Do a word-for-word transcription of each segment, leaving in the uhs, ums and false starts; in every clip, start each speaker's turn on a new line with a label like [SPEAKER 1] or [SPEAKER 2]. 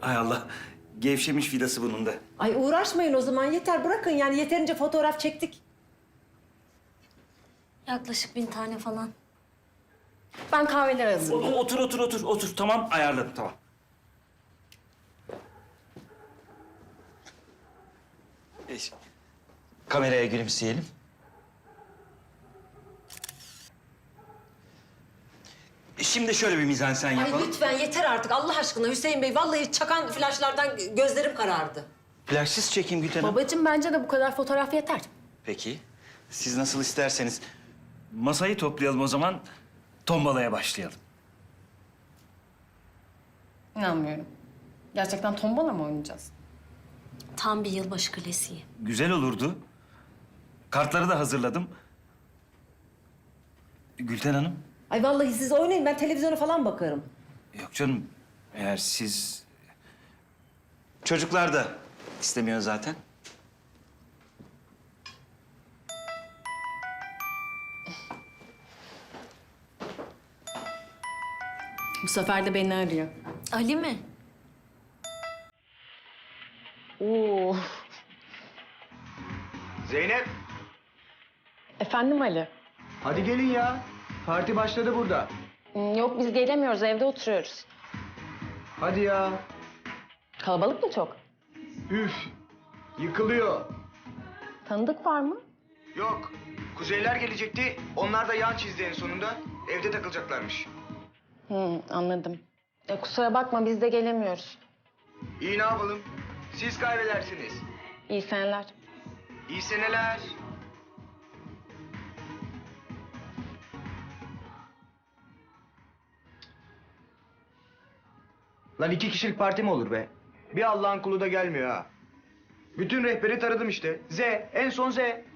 [SPEAKER 1] Hay Allah. Gevşemiş vidası bunun da.
[SPEAKER 2] Ay uğraşmayın o zaman yeter bırakın yani yeterince fotoğraf çektik.
[SPEAKER 3] Yaklaşık bin tane falan. Ben kahveleri hazırlayayım.
[SPEAKER 1] Otur, otur, otur, otur. Tamam, ayarladım, tamam. E, kameraya gülümseyelim. E, Şimdi şöyle bir mizansen
[SPEAKER 2] Ay
[SPEAKER 1] yapalım.
[SPEAKER 2] lütfen yeter artık Allah aşkına Hüseyin Bey. Vallahi çakan flaşlardan gözlerim karardı.
[SPEAKER 1] Flaşsız çekeyim Gülten Hanım.
[SPEAKER 3] Babacığım bence de bu kadar fotoğraf yeter.
[SPEAKER 1] Peki. Siz nasıl isterseniz. Masayı toplayalım o zaman. Tombalaya başlayalım.
[SPEAKER 4] İnanmıyorum. Gerçekten tombala mı oynayacağız?
[SPEAKER 3] Tam bir yılbaşı klasiği.
[SPEAKER 1] Güzel olurdu. Kartları da hazırladım. Gülten Hanım.
[SPEAKER 2] Ay vallahi siz oynayın ben televizyona falan bakarım.
[SPEAKER 1] Yok canım. Eğer siz... Çocuklar da istemiyor zaten.
[SPEAKER 4] Bu sefer de beni arıyor.
[SPEAKER 3] Ali mi?
[SPEAKER 4] Oo.
[SPEAKER 5] Zeynep,
[SPEAKER 4] Efendim Ali?
[SPEAKER 5] hadi gelin ya. Parti başladı burada.
[SPEAKER 4] Hmm, Yok biz gelemiyoruz, evde oturuyoruz.
[SPEAKER 5] Hadi ya.
[SPEAKER 4] Kalabalık mı çok?
[SPEAKER 5] Üf, yıkılıyor.
[SPEAKER 4] Tanıdık var mı?
[SPEAKER 5] Yok, kuzeyler gelecekti. Onlar da yan çizdi en sonunda. Evde takılacaklarmış.
[SPEAKER 4] Hı, anladım. Ya kusura bakma biz de gelemiyoruz.
[SPEAKER 5] İyi ne yapalım? Siz kaybedersiniz.
[SPEAKER 4] İyi seneler.
[SPEAKER 5] İyi seneler. Lan iki kişilik parti mi olur be? Bir Allah'ın kulu da gelmiyor ha. Bütün rehberi taradım işte. Z, en son Z.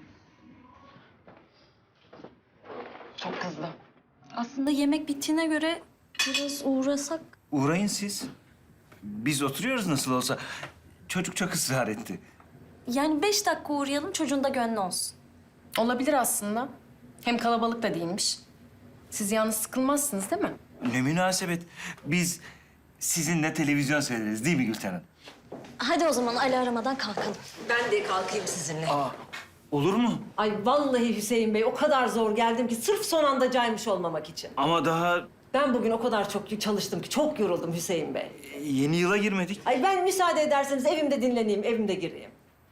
[SPEAKER 4] Çok kızdı.
[SPEAKER 3] Aslında yemek bittiğine göre biraz uğrasak.
[SPEAKER 1] Uğrayın siz. Biz oturuyoruz nasıl olsa. Çocuk çok ısrar etti.
[SPEAKER 3] Yani beş dakika uğrayalım çocuğun da gönlü olsun.
[SPEAKER 4] Olabilir aslında. Hem kalabalık da değilmiş. Siz yalnız sıkılmazsınız değil mi?
[SPEAKER 1] Ne münasebet. Biz sizinle televizyon seyrederiz değil mi Gülten Hanım?
[SPEAKER 3] Hadi o zaman Ali aramadan kalkalım.
[SPEAKER 2] Ben de kalkayım sizinle.
[SPEAKER 1] Aa, olur mu?
[SPEAKER 2] Ay vallahi Hüseyin Bey o kadar zor geldim ki sırf son anda caymış olmamak için.
[SPEAKER 1] Ama daha
[SPEAKER 2] Ben bugün o kadar çok çalıştım ki çok yoruldum Hüseyin Bey.
[SPEAKER 1] yeni yıla girmedik.
[SPEAKER 2] Ay ben müsaade ederseniz evimde dinleneyim, evimde gireyim.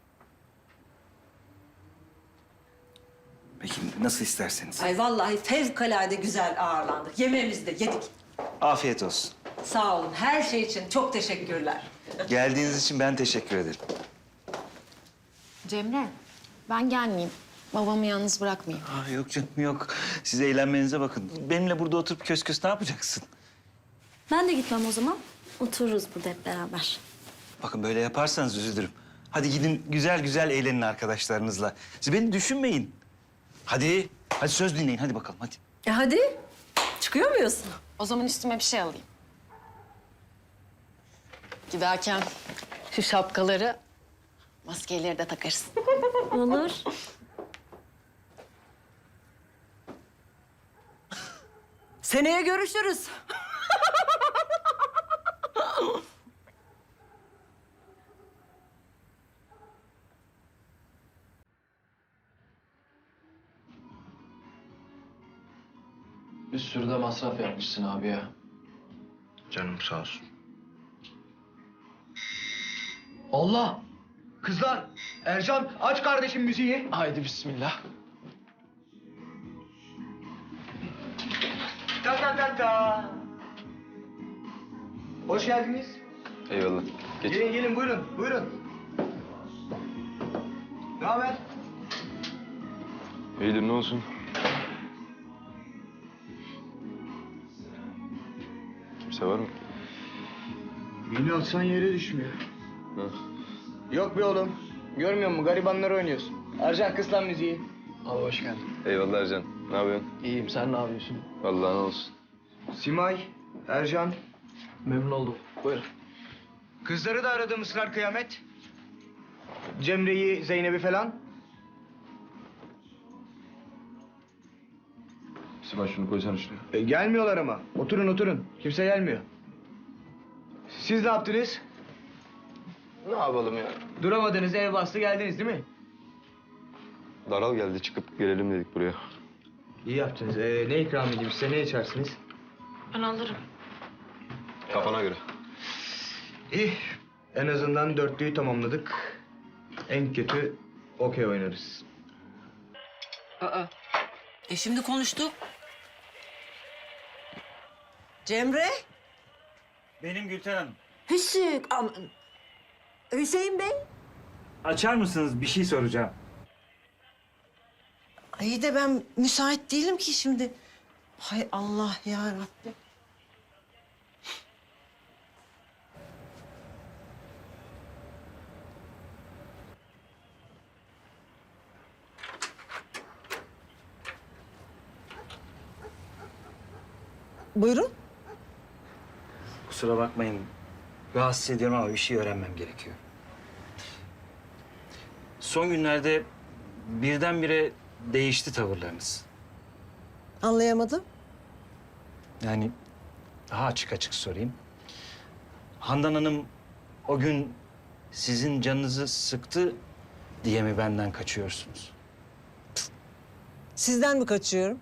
[SPEAKER 1] Peki nasıl isterseniz.
[SPEAKER 2] Ay vallahi fevkalade güzel ağırlandık. Yemeğimizi de yedik.
[SPEAKER 1] Afiyet olsun.
[SPEAKER 2] Sağ olun. Her şey için çok teşekkürler.
[SPEAKER 1] Geldiğiniz için ben teşekkür ederim.
[SPEAKER 4] Cemre, ben gelmeyeyim. Babamı yalnız bırakmayayım.
[SPEAKER 1] Aa, yok canım yok. Siz eğlenmenize bakın. Benimle burada oturup kös kös ne yapacaksın?
[SPEAKER 3] Ben de gitmem o zaman. Otururuz burada hep beraber.
[SPEAKER 1] Bakın böyle yaparsanız üzülürüm. Hadi gidin güzel güzel eğlenin arkadaşlarınızla. Siz beni düşünmeyin. Hadi. Hadi söz dinleyin. Hadi bakalım hadi.
[SPEAKER 2] E hadi. Çıkıyor muyuz?
[SPEAKER 4] O zaman üstüme bir şey alayım. Giderken şu şapkaları, maskeleri de takarız.
[SPEAKER 3] Olur.
[SPEAKER 2] Seneye görüşürüz.
[SPEAKER 6] Bir sürü de masraf yapmışsın abi ya.
[SPEAKER 5] Canım sağ olsun.
[SPEAKER 6] Allah!
[SPEAKER 5] Kızlar, Ercan aç kardeşim müziği.
[SPEAKER 6] Haydi bismillah.
[SPEAKER 5] Ta ta ta ta. Hoş geldiniz.
[SPEAKER 7] Eyvallah. Geç.
[SPEAKER 5] Gelin gelin buyurun, buyurun. Ne haber?
[SPEAKER 7] İyidir ne olsun? Kimse var mı?
[SPEAKER 5] Beni atsan yere düşmüyor.
[SPEAKER 7] Ha.
[SPEAKER 5] Yok be oğlum. Görmüyor musun? Garibanlar oynuyorsun. Ercan kız lan müziği.
[SPEAKER 6] Abi hoş geldin.
[SPEAKER 7] Eyvallah Ercan. Ne yapıyorsun?
[SPEAKER 6] İyiyim, sen ne yapıyorsun?
[SPEAKER 7] Vallahi ne olsun.
[SPEAKER 5] Simay, Ercan.
[SPEAKER 6] Memnun oldum. Buyur.
[SPEAKER 5] Kızları da aradım ısrar kıyamet. Cemre'yi, Zeynep'i falan.
[SPEAKER 7] Sibel şunu koysana şuraya.
[SPEAKER 5] E, gelmiyorlar ama. Oturun oturun. Kimse gelmiyor. Siz ne yaptınız?
[SPEAKER 7] Ne yapalım ya?
[SPEAKER 5] Duramadınız, ev bastı geldiniz değil mi?
[SPEAKER 7] Daral geldi, çıkıp gelelim dedik buraya.
[SPEAKER 5] İyi yaptınız. Ee, ne ikram edeyim size, ne içersiniz?
[SPEAKER 7] Kafana göre.
[SPEAKER 5] İyi. En azından dörtlüyü tamamladık. En kötü okey oynarız.
[SPEAKER 2] E şimdi konuştuk. Cemre?
[SPEAKER 1] Benim Gülten Hanım.
[SPEAKER 2] Hüsnü, aman. Hüseyin Bey?
[SPEAKER 1] Açar mısınız? Bir şey soracağım.
[SPEAKER 2] İyi de ben müsait değilim ki şimdi. Hay Allah ya Rabbi. Buyurun.
[SPEAKER 1] Kusura bakmayın. Rahatsız ediyorum ama bir şey öğrenmem gerekiyor. Son günlerde birdenbire değişti tavırlarınız.
[SPEAKER 2] Anlayamadım.
[SPEAKER 1] Yani daha açık açık sorayım. Handan Hanım o gün sizin canınızı sıktı diye mi benden kaçıyorsunuz?
[SPEAKER 8] Sizden mi kaçıyorum?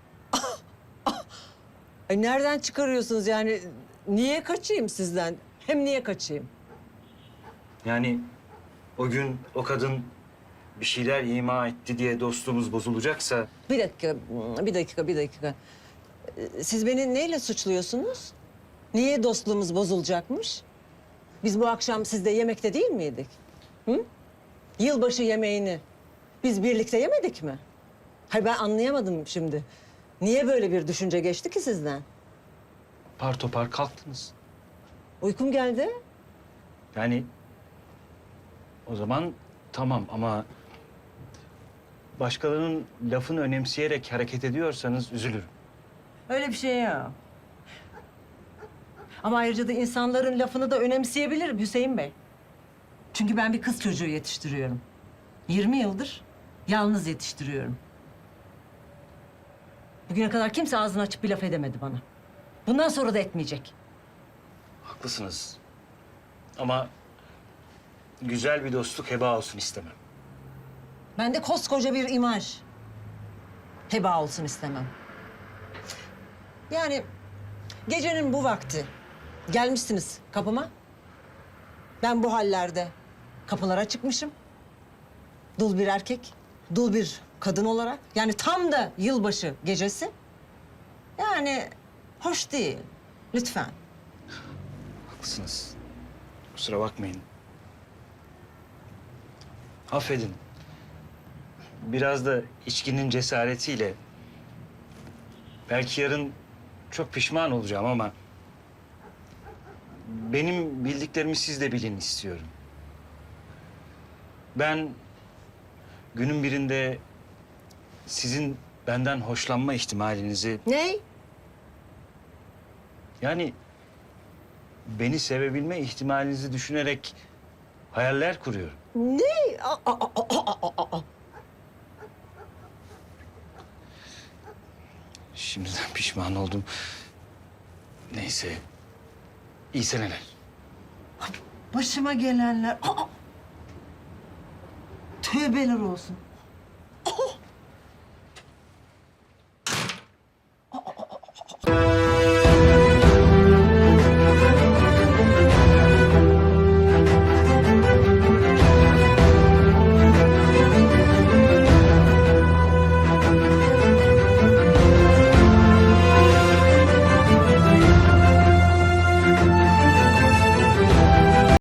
[SPEAKER 8] Ay nereden çıkarıyorsunuz yani? Niye kaçayım sizden? Hem niye kaçayım?
[SPEAKER 1] Yani o gün o kadın bir şeyler ima etti diye dostluğumuz bozulacaksa...
[SPEAKER 8] Bir dakika, bir dakika, bir dakika. Ee, Siz beni neyle suçluyorsunuz? Niye dostluğumuz bozulacakmış? Biz bu akşam sizde yemekte değil miydik? Hı? Yılbaşı yemeğini biz birlikte yemedik mi? Hayır ben anlayamadım şimdi. Niye böyle bir düşünce geçti ki sizden?
[SPEAKER 1] Par topar kalktınız.
[SPEAKER 8] Uykum geldi.
[SPEAKER 1] Yani o zaman tamam ama başkalarının lafını önemseyerek hareket ediyorsanız üzülürüm.
[SPEAKER 8] Öyle bir şey ya. Ama ayrıca da insanların lafını da önemseyebilirim Hüseyin Bey. Çünkü ben bir kız çocuğu yetiştiriyorum. yirmi yıldır yalnız yetiştiriyorum. Bugüne kadar kimse ağzını açıp bir laf edemedi bana. Bundan sonra da etmeyecek.
[SPEAKER 1] Haklısınız. Ama güzel bir dostluk heba olsun istemem.
[SPEAKER 8] Ben de koskoca bir imaj heba olsun istemem. Yani gecenin bu vakti gelmişsiniz kapıma. Ben bu hallerde kapılara çıkmışım. Dul bir erkek, dul bir kadın olarak. Yani tam da yılbaşı gecesi. Yani hoş değil. Lütfen.
[SPEAKER 1] Haklısınız. Kusura bakmayın. Affedin. Biraz da içkinin cesaretiyle... belki yarın çok pişman olacağım ama... benim bildiklerimi siz de bilin istiyorum. Ben günün birinde sizin benden hoşlanma ihtimalinizi...
[SPEAKER 8] Ne?
[SPEAKER 1] Yani beni sevebilme ihtimalinizi düşünerek hayaller kuruyorum.
[SPEAKER 8] Ne? Aa, aa, aa, aa, aa.
[SPEAKER 1] Şimdiden pişman oldum. Neyse. İyi seneler.
[SPEAKER 8] Başıma gelenler. Aa! Tövbeler olsun.